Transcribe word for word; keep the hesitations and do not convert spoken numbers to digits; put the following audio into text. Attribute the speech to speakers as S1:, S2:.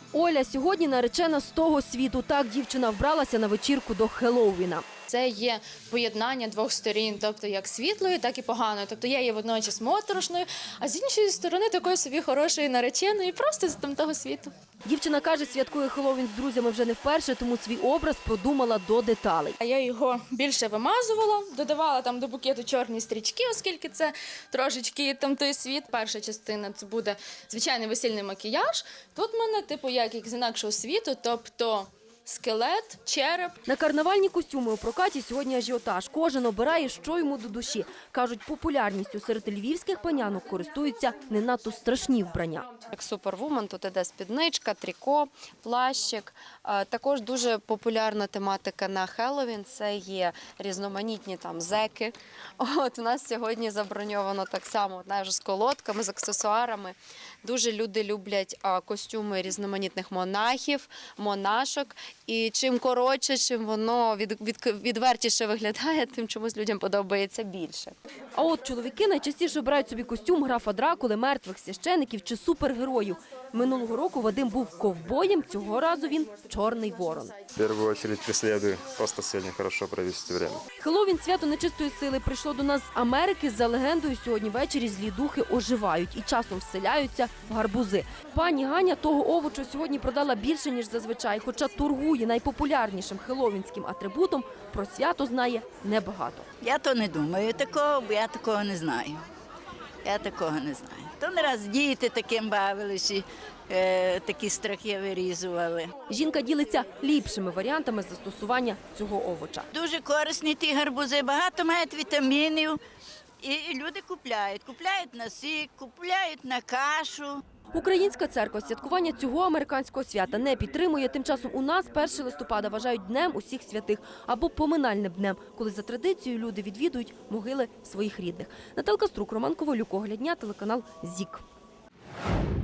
S1: Оля сьогодні наречена з того світу. Так дівчина вбралася на вечірку до Хеллоуіна.
S2: Це є поєднання двох сторін, тобто як світлої, так і поганої. Тобто я є водночас моторошною, а з іншої сторони такої собі хорошої нареченої, просто з там того світу.
S1: Дівчина каже, святкує Хеллоуін з друзями вже не вперше, тому свій образ продумала до деталей.
S2: А я його більше вимазувала, додавала там до букету чорні стрічки, оскільки це трошечки там той світ. Перша частина – це буде звичайний весільний макіяж. Тут в мене, типу, як, як з інакшого світу, тобто скелет, череп.
S1: На карнавальні костюми у прокаті сьогодні ажіотаж. Кожен обирає, що йому до душі. Кажуть, популярністю серед львівських панянок користуються не надто страшні вбрання.
S3: Як супервумен, тут іде спідничка, тріко, плащик. Також дуже популярна тематика на Хеллоуін – це є різноманітні там зеки. От у нас сьогодні заброньовано так само, навіть з колодками, з аксесуарами. Дуже люди люблять костюми різноманітних монахів, монашок. І чим коротше, чим воно від, від, відвертіше виглядає, тим чомусь людям подобається більше.
S1: А от чоловіки найчастіше обирають собі костюм графа Дракули, мертвих священиків чи супергероїв. Минулого року Вадим був ковбоєм, цього разу він – чорний ворон.
S4: В першу чергу преслідую, просто сьогодні хорошо провести время.
S1: Хеллоуін – свято нечистої сили прийшло до нас з Америки. За легендою, сьогодні ввечері злі духи оживають і часом вселяються в гарбузи. Пані Ганя того овочу сьогодні продала більше, ніж зазвичай, хоча торгує найпопулярнішим хеллоуінським атрибутом, про свято знає небагато.
S5: Я то не думаю такого, бо я такого не знаю. Я такого не знаю. То не раз діти таким бавилися, е, такі страхи вирізували.
S1: Жінка ділиться ліпшими варіантами застосування цього овоча.
S5: Дуже корисні ті гарбузи, багато мають вітамінів. І люди купляють. Купляють на сік, купляють на кашу.
S1: Українська церква святкування цього американського свята не підтримує. Тим часом у нас першого листопада вважають Днем усіх святих або поминальним днем, коли за традицією люди відвідують могили своїх рідних. Наталка Струк, Роман Ковалюк, Огляд дня, телеканал ЗІК.